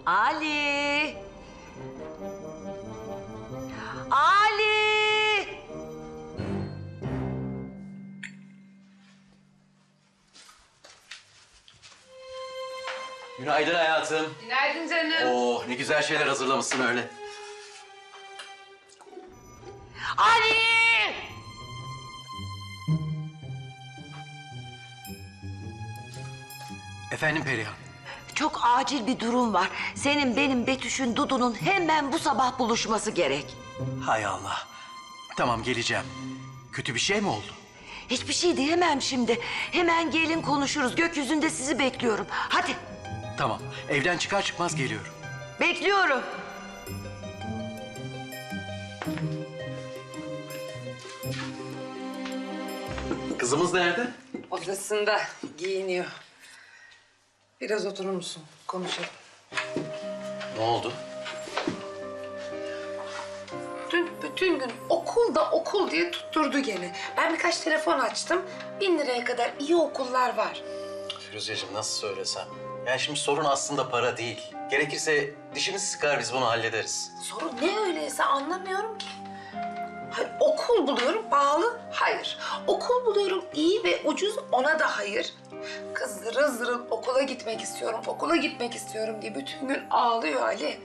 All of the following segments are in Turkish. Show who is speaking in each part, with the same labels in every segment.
Speaker 1: Ali! Ali!
Speaker 2: Günaydın hayatım.
Speaker 3: Günaydın canım.
Speaker 2: Oh, ne güzel şeyler hazırlamışsın öyle.
Speaker 1: Ali!
Speaker 2: Efendim Perihan.
Speaker 1: Çok acil bir durum var. Senin, benim, Betüş'ün, Dudu'nun hemen bu sabah buluşması gerek.
Speaker 2: Hay Allah. Tamam, geleceğim. Kötü bir şey mi oldu?
Speaker 1: Hiçbir şey diyemem şimdi. Hemen gelin konuşuruz. Gökyüzünde sizi bekliyorum. Hadi.
Speaker 2: Tamam, evden çıkar çıkmaz geliyorum.
Speaker 1: Bekliyorum.
Speaker 2: Kızımız nerede?
Speaker 3: Odasında giyiniyor. Biraz oturur musun? Konuşalım.
Speaker 2: Ne oldu?
Speaker 3: Dün bütün gün okulda okul diye tutturdu gene. Ben birkaç telefon açtım. 1000 liraya kadar iyi okullar var.
Speaker 2: Firuzeciğim nasıl söylesem? Yani şimdi sorun aslında para değil. Gerekirse dişimizi sıkar biz bunu hallederiz.
Speaker 3: Sorun ne öyleyse anlamıyorum ki. Hayır, okul buluyorum pahalı, hayır. Okul buluyorum iyi ve ucuz, ona da hayır. Kız zırıl zırıl okula gitmek istiyorum, okula gitmek istiyorum diye bütün gün ağlıyor Ali.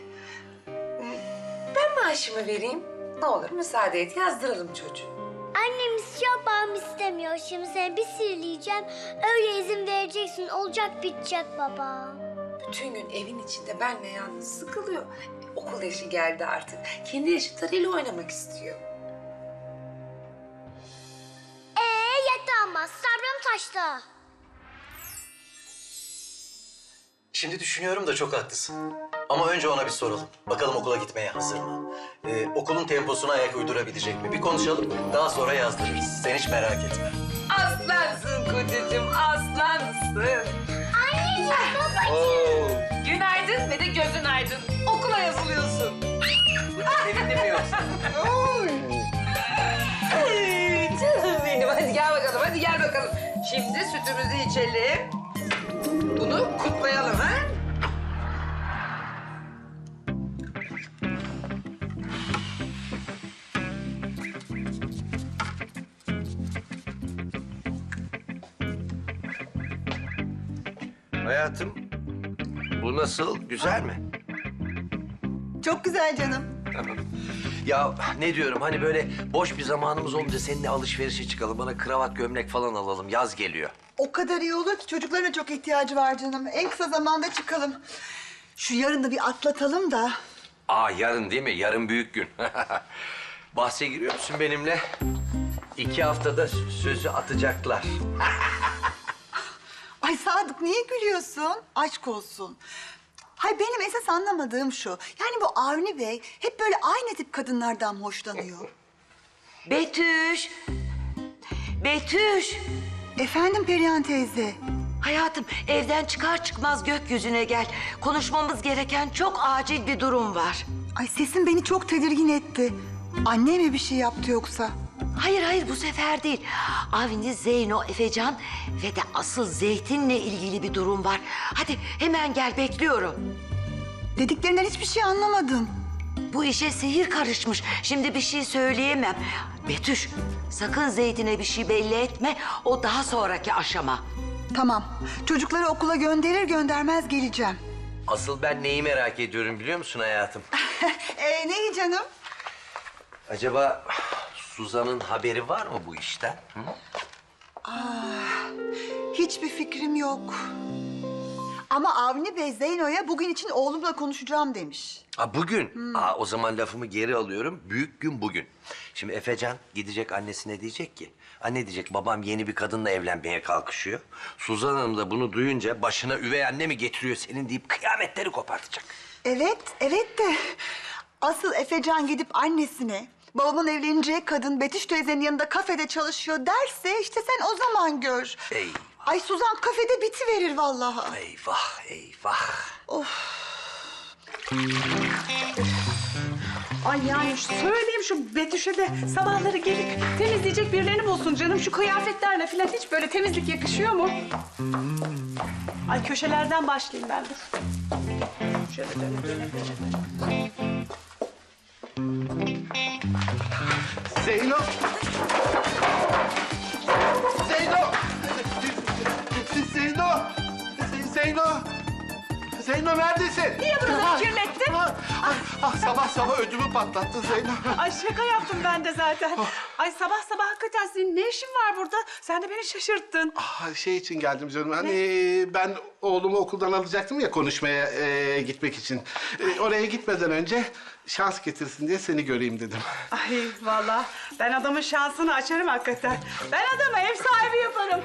Speaker 3: Ben maaşımı vereyim. Ne olur müsaade et, yazdıralım çocuğu.
Speaker 4: Annem istiyor, babam istemiyor. Şimdi seni bir sihirleyeceğim. Öyle izin vereceksin. Olacak bitecek baba.
Speaker 3: Bütün gün evin içinde benle yalnız sıkılıyor. Okul yaşı geldi artık. Kendi yaşıtlarıyla oynamak istiyor.
Speaker 4: Yetti ama. Sabrım taştı.
Speaker 2: Şimdi düşünüyorum da çok haklısın. Ama önce ona bir soralım. Bakalım okula gitmeye hazır mı? Okulun temposuna ayak uydurabilecek mi? Bir konuşalım. Daha sonra yazdırırız. Sen hiç merak etme.
Speaker 3: Aslansın kocacığım, aslansın.
Speaker 4: Anneciğim, babacığım.
Speaker 2: Oo.
Speaker 3: Günaydın ve de gözün aydın. Okula yazılıyorsun.
Speaker 2: Sevindin mi yoksa?
Speaker 3: Ay, canım benim. Hadi gel bakalım, hadi gel bakalım. Şimdi sütümüzü içelim. Bunu kutlayalım ha?
Speaker 5: Hayatım, bu nasıl? Güzel mi?
Speaker 6: Çok güzel canım.
Speaker 5: Tamam. Ya ne diyorum hani böyle boş bir zamanımız olunca seninle alışverişe çıkalım. Bana kravat, gömlek falan alalım. Yaz geliyor.
Speaker 6: O kadar iyi olur ki çocukların da çok ihtiyacı var canım. En kısa zamanda çıkalım. Şu yarını bir atlatalım da.
Speaker 5: Yarın değil mi? Yarın büyük gün. Bahse giriyor musun benimle? 2 haftada sözü atacaklar.
Speaker 6: Ay Sadık niye gülüyorsun? Aşk olsun. Hay benim esas anlamadığım şu. Yani bu Avni Bey hep böyle aynı tip kadınlardan hoşlanıyor.
Speaker 1: Betüş! Betüş!
Speaker 6: Efendim Perihan teyze.
Speaker 1: Hayatım, evden çıkar çıkmaz gökyüzüne gel. Konuşmamız gereken çok acil bir durum var.
Speaker 6: Ay sesin beni çok tedirgin etti. Anne mi bir şey yaptı yoksa?
Speaker 1: Hayır, bu sefer değil. Avni, Zeyno, Efecan ve de asıl Zeytin'le ilgili bir durum var. Hadi hemen gel, bekliyorum.
Speaker 6: Dediklerinden hiçbir şey anlamadım.
Speaker 1: Bu işe sihir karışmış. Şimdi bir şey söyleyemem. Betüş, sakın Zeytin'e bir şey belli etme. O daha sonraki aşama.
Speaker 6: Tamam. Çocukları okula gönderir göndermez geleceğim.
Speaker 5: Asıl ben neyi merak ediyorum biliyor musun hayatım?
Speaker 6: Neyi canım?
Speaker 5: Acaba Suzan'ın haberi var mı bu işten? Hı?
Speaker 6: Hiçbir fikrim yok. Ama Avni Bey Zeyno'ya bugün için oğlumla konuşacağım demiş.
Speaker 5: Bugün? O zaman lafımı geri alıyorum. Büyük gün bugün. Şimdi Efecan gidecek annesine diyecek ki... Anne diyecek babam yeni bir kadınla evlenmeye kalkışıyor. Suzan Hanım da bunu duyunca başına üvey anne mi getiriyor senin deyip kıyametleri kopartacak.
Speaker 6: Evet de asıl Efecan gidip annesine babamın evleneceği kadın Betüş teyzenin yanında kafede çalışıyor derse işte sen o zaman gör.
Speaker 5: Eyvah.
Speaker 6: Ay Suzan kafede bitiverir vallahi.
Speaker 5: Eyvah.
Speaker 7: Ay yani söyleyeyim şu Betüş'e de sabahları gelip temizleyecek birilerini bulsun canım. Şu kıyafetlerle falan hiç böyle temizlik yakışıyor mu? Ay köşelerden başlayayım ben dur. Şöyle döne.
Speaker 8: Zeyno! Zeyno! Zeyno! Zeyno! Zeyno neredesin?
Speaker 7: Niye buraları kirlettin?
Speaker 8: Sabah sabah ödümü patlattın Zeyno.
Speaker 7: Ay şaka yaptım ben de zaten. Ay sabah sabah hakikaten senin ne işin var burada? Sen de beni şaşırttın.
Speaker 8: Şey için geldim canım. Hani ben oğlumu okuldan alacaktım ya konuşmaya gitmek için. Oraya gitmeden önce şans getirsin diye seni göreyim dedim.
Speaker 7: Ay vallahi ben adamın şansını açarım hakikaten. Ben adama ev sahibi yaparım.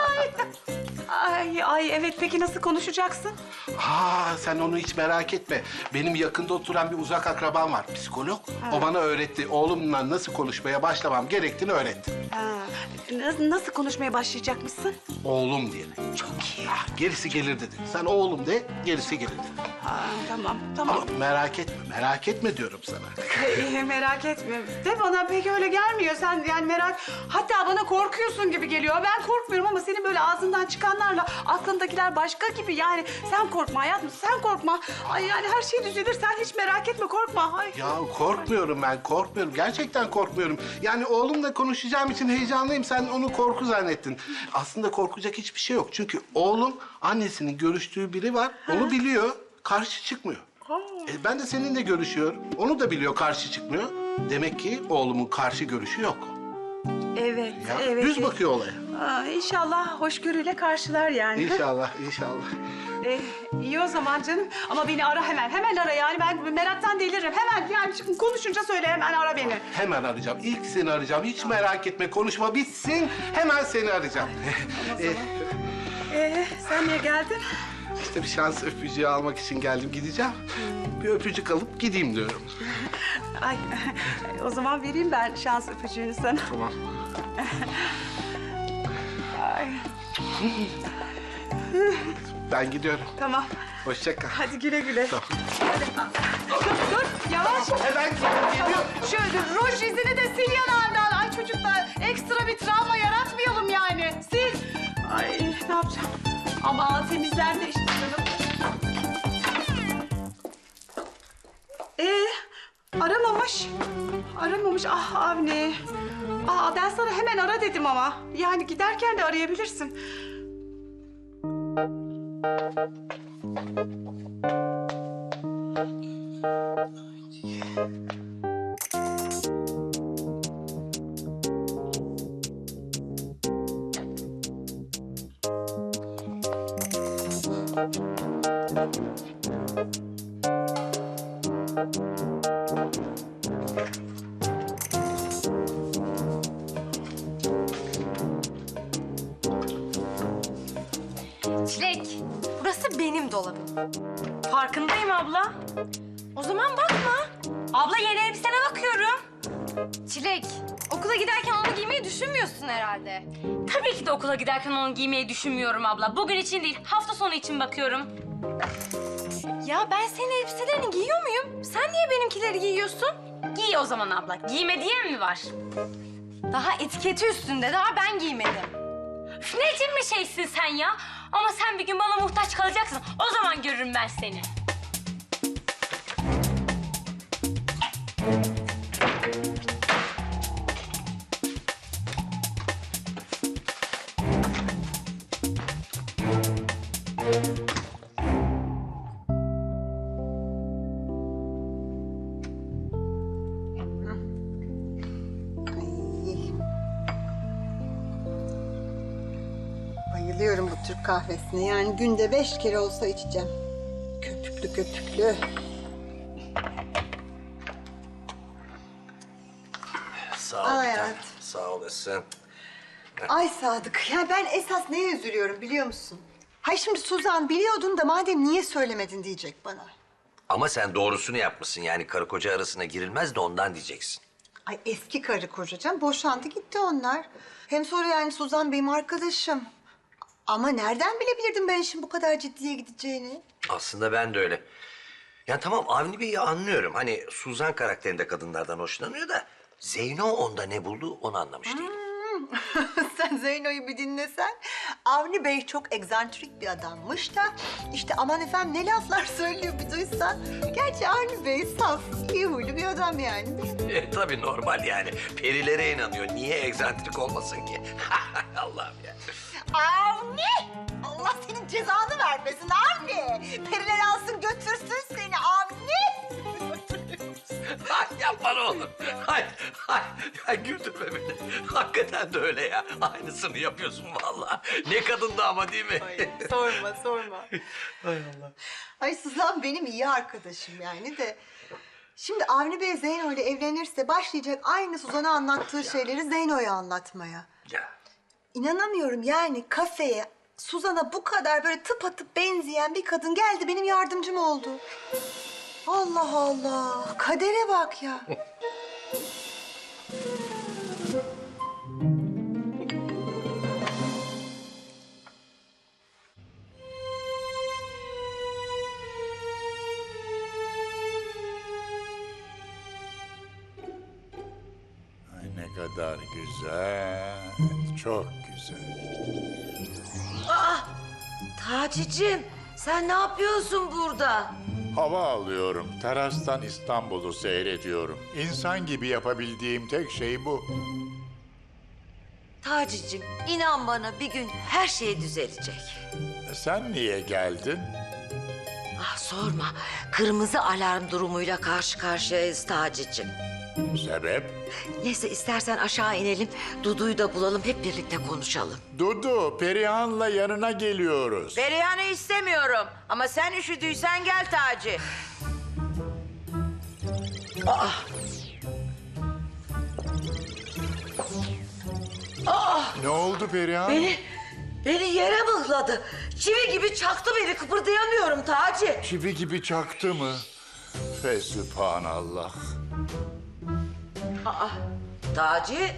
Speaker 7: Ay evet peki nasıl konuşacaksın?
Speaker 8: Sen onu hiç merak etme. Benim yakında oturan bir uzak akrabam var, psikolog. O bana öğretti. Oğlumla nasıl konuşmaya başlamam gerektiğini öğretti.
Speaker 7: Nasıl konuşmaya başlayacakmışsın?
Speaker 8: Oğlum diye. Çok iyi. Gerisi gelir dedi. Sen oğlum de, gerisi gelir dedi.
Speaker 7: Tamam.
Speaker 8: Ama merak etme diyorum sana.
Speaker 7: Merak etme. De bana pek öyle gelmiyor. Sen yani hatta bana korkuyorsun gibi geliyor. Ben korkmuyorum ama senin böyle ağzından çıkanlarla aklındakiler başka gibi. Yani sen korkma hayatım, sen korkma. Ay yani her şey düzelir. Sen hiç merak etme, korkma. Ay.
Speaker 8: Ya korkmuyorum ben, korkmuyorum. Gerçekten korkmuyorum. Yani oğlumla konuşacağım için heyecanlıyım. Sen onu korku zannettin. Aslında korkacak hiçbir şey yok. Çünkü oğlum annesinin görüştüğü biri var. Onu biliyor, karşı çıkmıyor. Ben de seninle görüşüyorum. Onu da biliyor, karşı çıkmıyor. Demek ki oğlumun karşı görüşü yok.
Speaker 7: Evet,
Speaker 8: Ya,
Speaker 7: evet.
Speaker 8: düz bakıyor olaya.
Speaker 7: İnşallah hoşgörüyle karşılar yani.
Speaker 8: İnşallah.
Speaker 7: İyi o zaman canım. Ama beni ara hemen. Hemen ara yani. Ben meraktan deliririm. Hemen yani şimdi konuşunca söyle hemen ara beni.
Speaker 8: Hemen arayacağım. İlk seni arayacağım. Hiç merak etme. Konuşma bitsin. Hemen seni arayacağım.
Speaker 7: Sen niye geldin?
Speaker 8: İşte bir şans öpücüğü almak için geldim. Gideceğim. Bir öpücük alıp gideyim diyorum.
Speaker 7: Ay o zaman vereyim ben şans öpücüğünü sana.
Speaker 8: Tamam.
Speaker 7: Ay,
Speaker 8: Ben gidiyorum.
Speaker 7: tamam.
Speaker 8: Hoşça kal.
Speaker 7: Hadi güle güle.
Speaker 8: Tamam.
Speaker 7: Dur yavaş.
Speaker 8: Hemen geliyorum.
Speaker 7: Şöyle ruj izini de sil yanağından. Ay çocuklar ekstra bir travma yaratmayalım yani. Sil. Ay ne yapacağım? Ama temizler de işte canım. Aramamış. Ah Avni. Ben sana hemen ara dedim ama. Yani giderken de arayabilirsin.
Speaker 9: Çilek, burası benim dolabım. Farkındayım abla. O zaman bakma. Abla yeni elbisene bakıyorum. Çilek, okula giderken onu giymeyi düşünmüyorsun herhalde. Tabii ki de okula giderken onu giymeyi düşünmüyorum abla. Bugün için değil, hafta sonu için bakıyorum. Ya ben senin elbiselerini giyiyor muyum? Sen niye benimkileri giyiyorsun? Giy o zaman abla. Giyme diyen mi var? Daha etiketi üstünde, daha ben giymedim. Üf, ne cin bir şeysin sen ya? Ama sen bir gün bana muhtaç kalacaksın. O zaman görürüm ben seni.
Speaker 6: Bayılıyorum bu Türk kahvesine. Yani günde 5 kere olsa içeceğim. Köpüklü köpüklü.
Speaker 5: Sağ ol
Speaker 6: Ay,
Speaker 5: bir tanem.
Speaker 6: evet.
Speaker 5: Sağ olasın.
Speaker 6: Ay Sadık, ya ben esas neye üzülüyorum biliyor musun? Hay şimdi Suzan biliyordun da madem niye söylemedin diyecek bana.
Speaker 5: Ama sen doğrusunu yapmışsın. Yani karı koca arasına girilmez de ondan diyeceksin.
Speaker 6: Ay eski karı kocacığım, boşandı gitti onlar. Hem sonra yani Suzan benim arkadaşım. Ama nereden bilebilirdim ben işin bu kadar ciddiye gideceğini?
Speaker 5: Aslında ben de öyle. Ya tamam Avni Bey'i anlıyorum. Hani Suzan karakterinde kadınlardan hoşlanıyor da... Zeyno onda ne buldu onu anlamış değilim.
Speaker 6: Sen Zeyno'yu bir dinlesen. Avni Bey çok egzantrik bir adammış da... işte aman efendim ne laflar söylüyor bir duysan. Gerçi Avni Bey saf, iyi huylu bir adam yani.
Speaker 5: Tabii normal yani. Perilere inanıyor. Niye egzantrik olmasın ki? Allah'ım ya.
Speaker 6: Avni! Allah senin cezanı vermesin Avni! Periler alsın götürsün seni Avni!
Speaker 5: Ay yapma ne olur. Ay güldürme beni. Hakikaten de öyle ya. Aynısını yapıyorsun vallahi. Ne kadındı ama değil mi?
Speaker 6: Sorma.
Speaker 5: Hay Allah.
Speaker 6: Ay Suzan benim iyi arkadaşım yani de... Şimdi Avni Bey Zeyno ile evlenirse başlayacak aynı Suzan'a anlattığı şeyleri Zeyno'ya anlatmaya.
Speaker 5: Ya.
Speaker 6: İnanamıyorum yani kafeye Suzan'a bu kadar böyle tıpatıp benzeyen bir kadın geldi benim yardımcım oldu. Allah Allah, kadere bak ya.
Speaker 10: Ay ne kadar güzel, çok güzel.
Speaker 1: Taci'cim sen ne yapıyorsun burada?
Speaker 10: Hava alıyorum, terastan İstanbul'u seyrediyorum. İnsan gibi yapabildiğim tek şey bu.
Speaker 1: Taci'cim inan bana bir gün her şey düzelecek.
Speaker 10: Sen niye geldin?
Speaker 1: Ah sorma. Kırmızı alarm durumuyla karşı karşıyayız Taci'cim.
Speaker 10: Sebep?
Speaker 1: Neyse istersen aşağı inelim. Dudu'yu da bulalım hep birlikte konuşalım.
Speaker 10: Dudu, Perihan'la yanına geliyoruz.
Speaker 1: Perihan'ı istemiyorum. Ama sen üşüdüysen gel Taci.
Speaker 10: Ne oldu Perihan?
Speaker 1: Beni yere mıhladı. Çivi gibi çaktı beni. Kıpırdayamıyorum Taci.
Speaker 10: Çivi gibi çaktı mı? Fesübhanallah.
Speaker 1: Taci.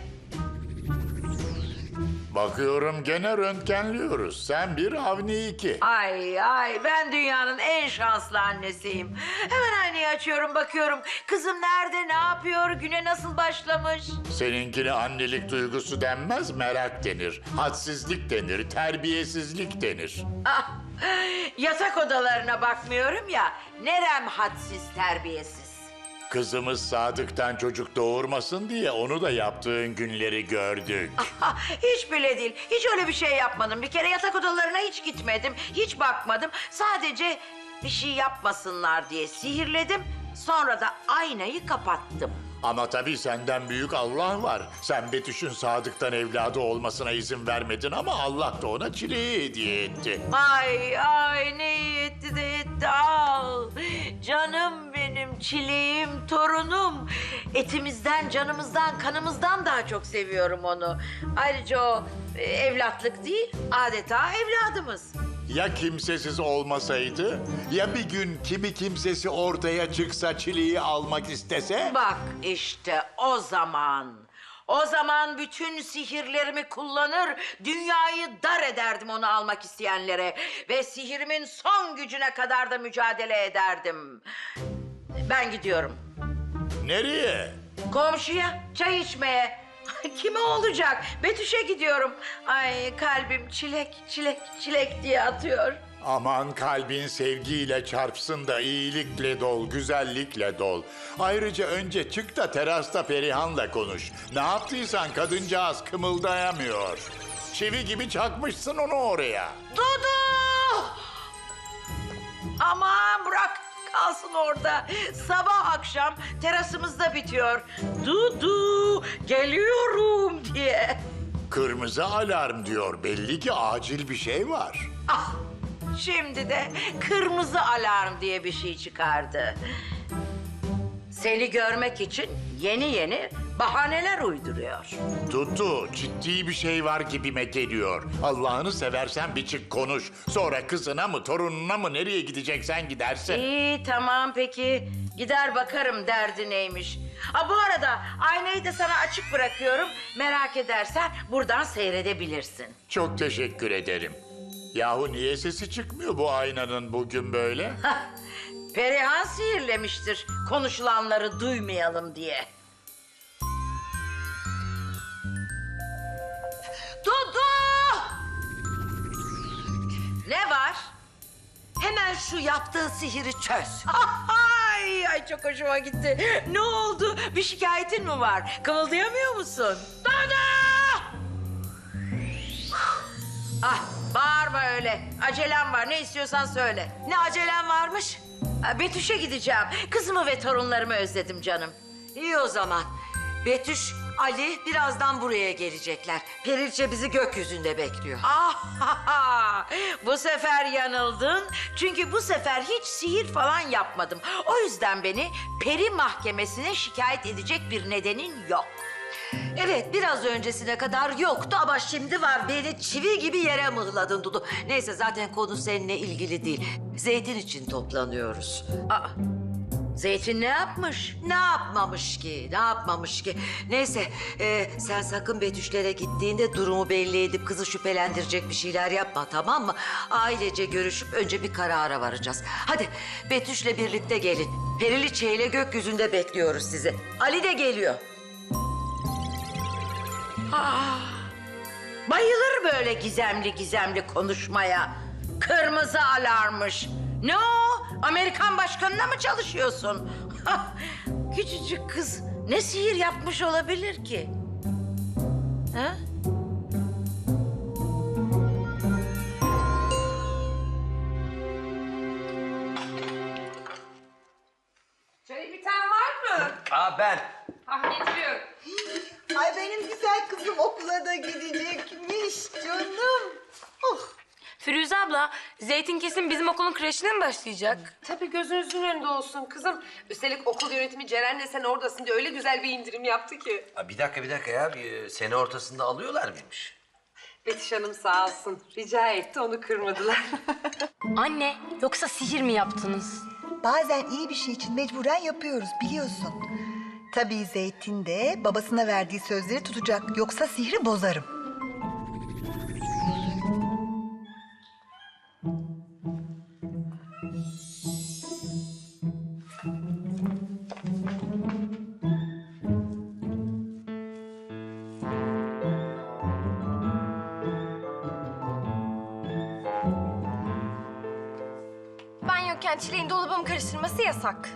Speaker 10: Bakıyorum gene röntgenliyoruz. Sen bir, Avni iki.
Speaker 1: Ay ben dünyanın en şanslı annesiyim. Hemen aynayı açıyorum bakıyorum. Kızım nerede ne yapıyor güne nasıl başlamış?
Speaker 10: Seninkine annelik duygusu denmez, merak denir. Hadsizlik denir, terbiyesizlik denir.
Speaker 1: Ah, yatak odalarına bakmıyorum ya. Nerem hadsiz terbiyesiz.
Speaker 10: Kızımız Sadık'tan çocuk doğurmasın diye onu da yaptığın günleri gördük.
Speaker 1: Hiç bile değil. Hiç öyle bir şey yapmadım. Bir kere yatak odalarına hiç gitmedim. Hiç bakmadım. Sadece bir şey yapmasınlar diye sihirledim. Sonra da aynayı kapattım.
Speaker 10: Ama tabii senden büyük Allah var. Sen Betüş'ün Sadık'tan evladı olmasına izin vermedin ama Allah da ona çileyi hediye etti.
Speaker 1: Ay ne iyi etti de etti. Al. Canım benim çileğim, torunum. Etimizden, canımızdan, kanımızdan daha çok seviyorum onu. Ayrıca o evlatlık değil, adeta evladımız.
Speaker 10: Ya kimsesiz olmasaydı? Ya bir gün kimi kimsesi ortaya çıksa çileyi almak istese?
Speaker 1: Bak işte o zaman. O zaman bütün sihirlerimi kullanır, dünyayı dar ederdim onu almak isteyenlere. Ve sihirimin son gücüne kadar da mücadele ederdim. Ben gidiyorum.
Speaker 10: Nereye?
Speaker 1: Komşuya çay içmeye. Kime olacak? Betüş'e gidiyorum. Ay kalbim çilek diye atıyor.
Speaker 10: Aman kalbin sevgiyle çarpsın da iyilikle dol, güzellikle dol. Ayrıca önce çık da terasta Perihan'la konuş. Ne yaptıysan kadıncağız kımıldayamıyor. Çivi gibi çakmışsın onu oraya.
Speaker 1: Dudu! Aman bırak kalsın orada. Sabah akşam terasımızda bitiyor. Dudu geliyorum diye.
Speaker 10: Kırmızı alarm diyor. Belli ki acil bir şey var.
Speaker 1: Ah şimdi de kırmızı alarm diye bir şey çıkardı. Seni görmek için yeni bahaneler uyduruyor.
Speaker 10: Dudu, ciddi bir şey var gibime geliyor. Allah'ını seversen bir çık konuş. Sonra kızına mı, torununa mı nereye gideceksen gidersin.
Speaker 1: İyi tamam peki. Gider bakarım derdi neymiş. Ha bu arada aynayı da sana açık bırakıyorum. Merak edersen buradan seyredebilirsin.
Speaker 10: Çok teşekkür ederim. Yahu niye sesi çıkmıyor bu aynanın bugün böyle?
Speaker 1: Perihan sihirlemiştir konuşulanları duymayalım diye. Ne var? Hemen şu yaptığı sihiri çöz. Ay çok hoşuma gitti. Ne oldu? Bir şikayetin mi var? Kımıldayamıyor musun? Dada! Ah, bağırma öyle. Acelem var. Ne istiyorsan söyle. Ne acelem varmış? Betüş'e gideceğim. Kızımı ve torunlarımı özledim canım. İyi o zaman. Betüş, Ali birazdan buraya gelecekler. Perilçe bizi gökyüzünde bekliyor. Ah, bu sefer yanıldın. Çünkü bu sefer hiç sihir falan yapmadım. O yüzden beni peri mahkemesine şikayet edecek bir nedenin yok. Evet, biraz öncesine kadar yoktu ama şimdi var. Beni çivi gibi yere mıhladın Dudu. Neyse, zaten konu seninle ilgili değil. Zeytin için toplanıyoruz. Aa, Zeytin ne yapmış? Ne yapmamış ki? Ne yapmamış ki? Neyse, sen sakın Betüşlere gittiğinde durumu belli edip kızı şüphelendirecek bir şeyler yapma, tamam mı? Ailece görüşüp önce bir karara varacağız. Hadi Betüş'le birlikte gelin. Periliçe ile gökyüzünde bekliyoruz sizi. Ali de geliyor. Bayılır böyle gizemli gizemli konuşmaya. Kırmızı alarmış. Ne o? Amerikan başkanına mı çalışıyorsun? Küçücük kız ne sihir yapmış olabilir ki? Ha?
Speaker 3: Çay biten var mı?
Speaker 5: Aa ben.
Speaker 3: Getiriyorum.
Speaker 6: Ay benim güzel kızım okula da gidecekmiş canım. Oh.
Speaker 9: Firuze abla, Zeytin kesin bizim okulun kreşine mi başlayacak?
Speaker 3: Tabii gözünüzün önünde olsun kızım. Üstelik okul yönetimi Ceren'le sen oradasın diye öyle güzel bir indirim yaptı ki.
Speaker 5: Aa, bir dakika ya. Bir sene ortasında alıyorlar mıymış?
Speaker 3: Betüş Hanım sağ olsun. Rica etti, onu kırmadılar.
Speaker 9: Anne, yoksa sihir mi yaptınız?
Speaker 6: Bazen iyi bir şey için mecburen yapıyoruz biliyorsun. Tabii Zeytin de babasına verdiği sözleri tutacak. Yoksa sihri bozarım.
Speaker 9: Ben yokken Çileğin dolabımı karıştırması yasak.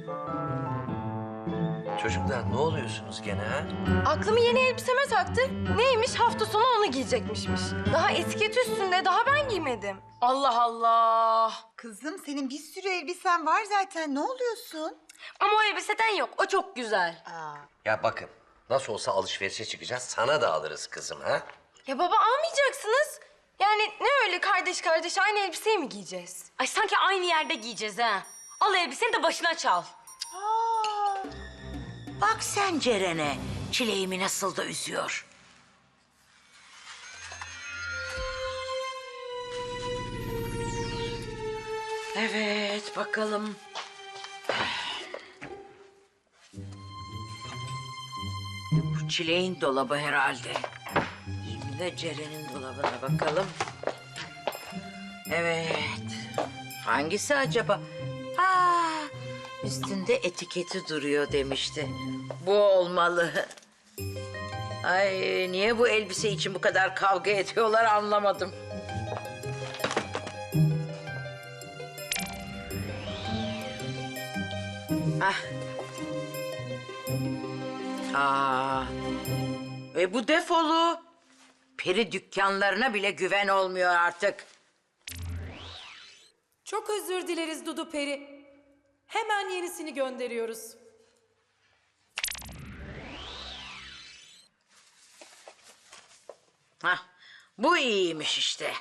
Speaker 5: Çocuklar ne oluyorsunuz gene ha?
Speaker 9: Aklımı yeni elbiseme taktı. Neymiş, hafta sonu onu giyecekmişmiş. Daha etiket üstünde, daha ben giymedim. Allah Allah.
Speaker 6: Kızım senin bir sürü elbisen var zaten. Ne oluyorsun?
Speaker 9: Ama o elbiseden yok, o çok güzel.
Speaker 5: Ya bakın nasıl olsa alışverişe çıkacağız. Sana da alırız kızım ha?
Speaker 9: Ya baba, almayacaksınız. Yani ne öyle kardeş kardeş aynı elbiseyi mi giyeceğiz? Ay sanki aynı yerde giyeceğiz ha. Al elbiseni de başına çal.
Speaker 1: Bak sen Ceren'e. Çileğimi nasıl da üzüyor. Evet, bakalım. Bu Çileğin dolabı herhalde. Şimdi de Ceren'in dolabına bakalım. Evet. Hangisi acaba? Üstünde etiketi duruyor demişti. Bu olmalı. Ay, niye bu elbise için bu kadar kavga ediyorlar anlamadım. Bu defolu. Peri dükkanlarına bile güven olmuyor artık.
Speaker 11: Çok özür dileriz Dudu Peri. Hemen yenisini gönderiyoruz.
Speaker 1: Bu iyiymiş işte.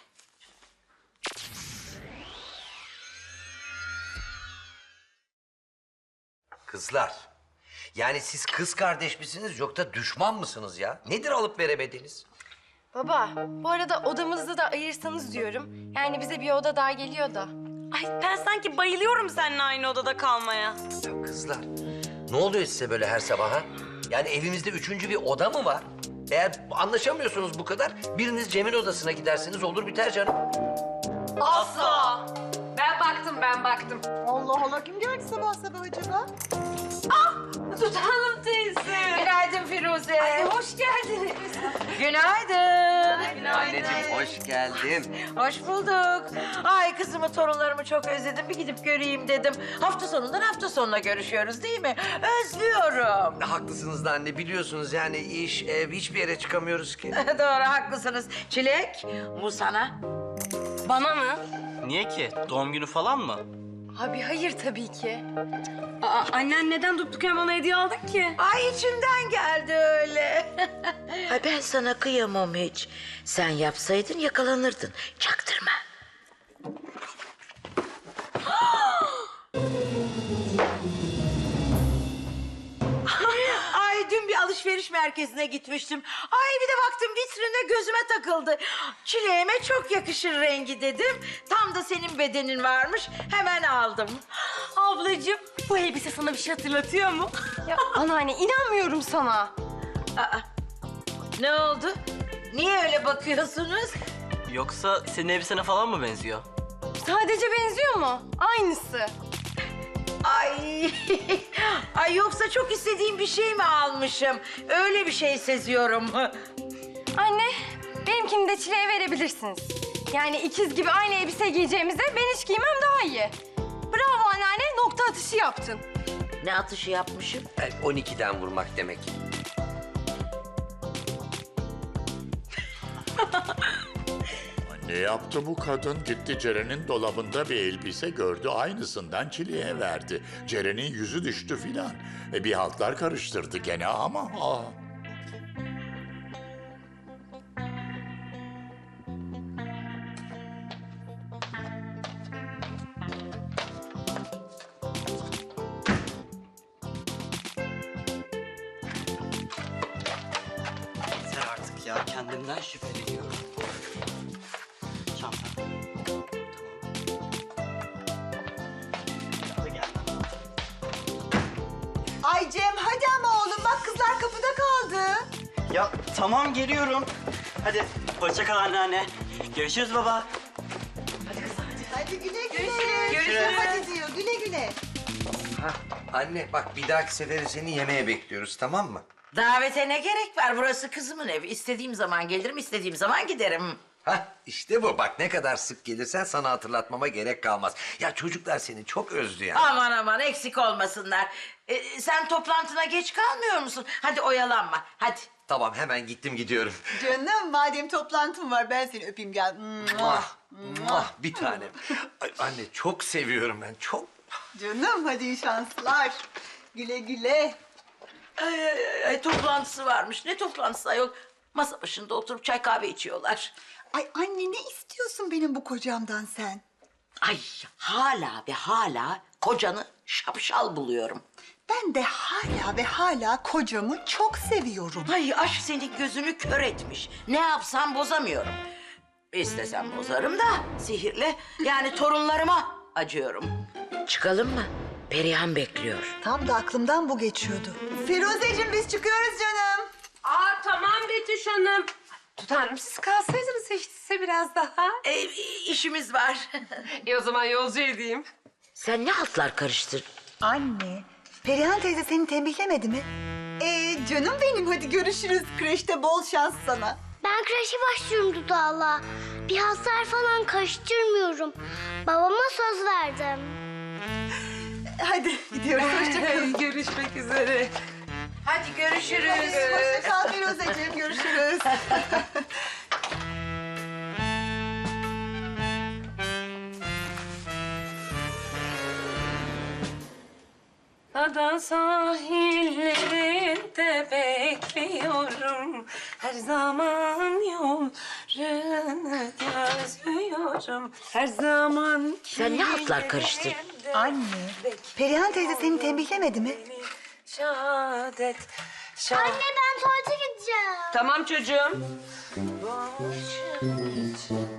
Speaker 5: Kızlar. Yani siz kız kardeş misiniz yoksa düşman mısınız ya? Nedir alıp veremediğiniz?
Speaker 9: Baba, bu arada odamızda da ayırsanız diyorum. Yani bize bir oda daha geliyor da. Ay ben sanki bayılıyorum seninle aynı odada kalmaya.
Speaker 5: Ya kızlar ne oluyor size böyle her sabah ha? Yani evimizde üçüncü bir oda mı var? Eğer anlaşamıyorsunuz bu kadar biriniz Cem'in odasına giderseniz olur biter canım.
Speaker 9: Asla.
Speaker 3: Ben baktım
Speaker 9: ben baktım.
Speaker 6: Allah Allah, kim geldi sabah sabah acaba?
Speaker 9: Sultan Hanım teyze.
Speaker 1: Günaydın Firuze.
Speaker 9: Hoş geldiniz.
Speaker 1: Günaydın.
Speaker 5: Anneciğim hoş geldin.
Speaker 1: Hoş bulduk. Ay kızımı, torunlarımı çok özledim. Bir gidip göreyim dedim. Hafta sonundan hafta sonuna görüşüyoruz değil mi? Özlüyorum.
Speaker 5: Haklısınız da anne, biliyorsunuz yani iş, ev, hiçbir yere çıkamıyoruz ki.
Speaker 1: Doğru, haklısınız. Çilek, bu sana.
Speaker 9: Bana mı?
Speaker 12: Niye ki? Doğum günü falan mı?
Speaker 9: Abi hayır tabii ki. Aa, annen neden durduk yere bana hediye aldın ki?
Speaker 1: Ay içimden geldi öyle. Ay ben sana kıyamam hiç. Sen yapsaydın yakalanırdın. Çaktırma. Ay dün bir alışveriş merkezine gitmiştim. Ay bir de baktım vitrine gözüme takıldı. Çileğime çok yakışır rengi dedim. Tam da senin bedenin varmış. Hemen aldım.
Speaker 9: Ablacığım bu elbise sana bir şey hatırlatıyor mu? Ya anneanne inanmıyorum sana.
Speaker 1: Aa, ne oldu? Niye öyle bakıyorsunuz?
Speaker 12: Yoksa senin elbisene falan mı benziyor?
Speaker 9: Sadece benziyor mu? Aynısı.
Speaker 1: Ay, ay yoksa çok istediğim bir şey mi almışım? Öyle bir şey seziyorum.
Speaker 9: Anne benimkini de Çile'ye verebilirsiniz. Yani ikiz gibi aynı elbise giyeceğimize ben hiç giymem daha iyi. Bravo anneanne, nokta atışı yaptın.
Speaker 1: Ne atışı yapmışım?
Speaker 5: 12'den vurmak demek.
Speaker 10: Ne yaptı bu kadın? Gitti Ceren'in dolabında bir elbise gördü. Aynısından Çile'ye verdi. Ceren'in yüzü düştü filan. Bir haltlar karıştırdı gene ama...
Speaker 12: Yeter artık ya. Kendimden şüpheleniyorum. Çanta. Tamam. Hadi gel.
Speaker 6: Ay Cem, hadi ama oğlum, bak kızlar kapıda kaldı.
Speaker 12: Ya tamam geliyorum. Hadi hoşça kal anneanne. Görüşürüz baba.
Speaker 6: Hadi güle güle.
Speaker 12: Görüşürüz.
Speaker 6: Hadi diyor, güle güle.
Speaker 5: Hah, anne bak bir dahaki sefere seni yemeğe bekliyoruz, tamam mı?
Speaker 1: Davete ne gerek var? Burası kızımın evi. İstediğim zaman gelirim, istediğim zaman giderim.
Speaker 5: Hah, işte bu. Bak ne kadar sık gelirsen sana hatırlatmama gerek kalmaz. Ya çocuklar seni çok özlü ya.
Speaker 1: Aman aman eksik olmasınlar. Sen toplantına geç kalmıyor musun? Hadi oyalanma, hadi.
Speaker 5: Tamam, hemen gittim gidiyorum.
Speaker 6: Canım, madem toplantım var, ben seni öpeyim gel.
Speaker 5: Muah, muah, bir tanem. Ay, anne çok seviyorum ben, çok.
Speaker 6: Canım, hadi iyi şanslar. Güle güle.
Speaker 1: Ay, toplantısı varmış. Ne toplantısı ayol? Masa başında oturup çay kahve içiyorlar.
Speaker 6: Ay anne, ne istiyorsun benim bu kocamdan sen?
Speaker 1: Ay hala ve hala kocanı şapşal buluyorum.
Speaker 6: Ben de hala ve hala kocamı çok seviyorum.
Speaker 1: Ay aşk senin gözünü kör etmiş. Ne yapsam bozamıyorum. İstesem bozarım da sihirle. Yani torunlarıma acıyorum. Çıkalım mı? Perihan bekliyor.
Speaker 6: Tam da aklımdan bu geçiyordu. Firuzeciğim, biz çıkıyoruz canım.
Speaker 9: Aa tamam Betüş Hanım. Tutanrım siz kalsaydınız hiç değilse biraz daha.
Speaker 1: İşimiz var.
Speaker 9: O zaman yolcu edeyim.
Speaker 1: Sen ne hatlar karıştır?
Speaker 6: Anne, Perihan teyze seni tembihlemedi mi? Canım benim, hadi görüşürüz. Kreşte bol şans sana.
Speaker 4: Ben kreşe başlıyorum Dudağ'la. Bir hasar falan karıştırmıyorum. Babama söz verdim.
Speaker 6: Hadi gidiyoruz, hoşçakalın.
Speaker 9: Görüşmek üzere.
Speaker 1: Hadi görüşürüz.
Speaker 6: Hoşça kal Firuzeciğim, görüşürüz.
Speaker 9: Ada sahillerinde bekliyorum. Her zaman yollarını gözlüyorum. Her zaman
Speaker 1: Sen ne hatlar karıştır?
Speaker 6: Anne, Perihan teyze seni tembihlemedi mi?
Speaker 9: Şahadet.
Speaker 4: Anne ben tuvalete gideceğim.
Speaker 9: Tamam çocuğum.
Speaker 1: Başım için